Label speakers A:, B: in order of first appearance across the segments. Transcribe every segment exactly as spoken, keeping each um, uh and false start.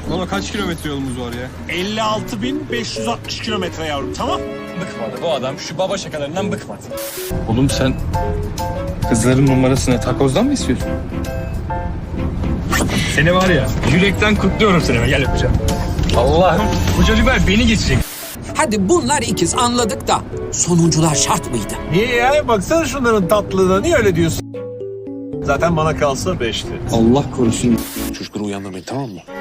A: Baba kaç kilometre yolumuz var ya?
B: elli altı bin beş yüz altmış kilometre yavrum, tamam.
C: Bıkmadı bu adam şu baba şakalarından bıkmadı.
A: Oğlum sen kızların numarasını takozdan mı istiyorsun?
C: Seni var ya yürekten kutluyorum seni. Gel öpeceğim. Allah'ım bu çocuklar beni geçecek.
D: Hadi bunlar ikiz anladık da sonuncular şart mıydı?
B: Niye ya? Baksana şunların tatlılığına, niye öyle diyorsun? Zaten bana kalsa beşti.
A: Allah korusun.
E: Çocukları uyandırmayın, tamam mı?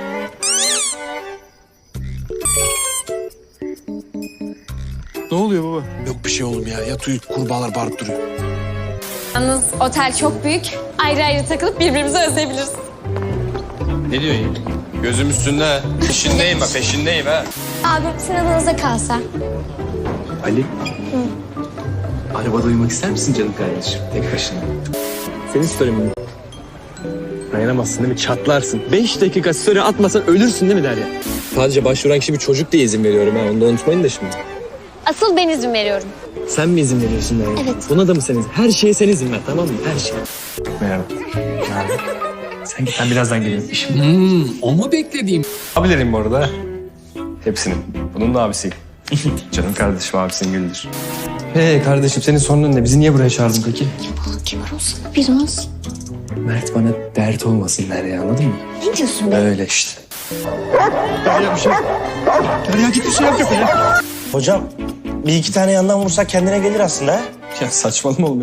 A: Ne oluyor baba?
E: Yok bir şey oğlum ya. Yat uyu, kurbağalar bağırıp duruyor.
F: Yalnız otel çok büyük. Ayrı ayrı takılıp birbirimizi özleyebiliriz.
C: Ne diyorsun ya? Gözüm üstünde. Peşindeyim bak peşindeyim ha.
F: Abi sizin adınıza kalsa.
G: Ali. Arabada uyumak ister misin canım kardeşim? Tek başına. Senin story mi? Dayanamazsın değil mi? Çatlarsın. Beş dakika story atmasan ölürsün değil mi Derya? Sadece başvuran kişi bir çocuk diye izin veriyorum ha. Onu da unutmayın da şimdi.
F: Asıl ben izin veriyorum.
G: Sen mi izin veriyorsun Derya?
F: Evet.
G: Buna da mı sen izin? Her şeye sen izin ver, tamam mı? Her şeye. Merhaba. Merhaba. Sen git, ben birazdan geliyorum. İşim.
D: Hmm, o mu beklediğim?
C: Abilerim bu arada. Hepsinin. Bunun da abisi. Canım kardeşim abisinin gülüdür.
G: Hey kardeşim, senin sorunun ne? Bizi niye buraya çağırdın peki?
F: Kibar olsana biraz.
G: Mert bana dert olmasın Derya, anladın mı?
F: Ne diyorsun be?
G: Öyle işte.
H: Hocam bir iki tane yandan vursak kendine gelir aslında ha?
G: Ya saçmalama oğlum.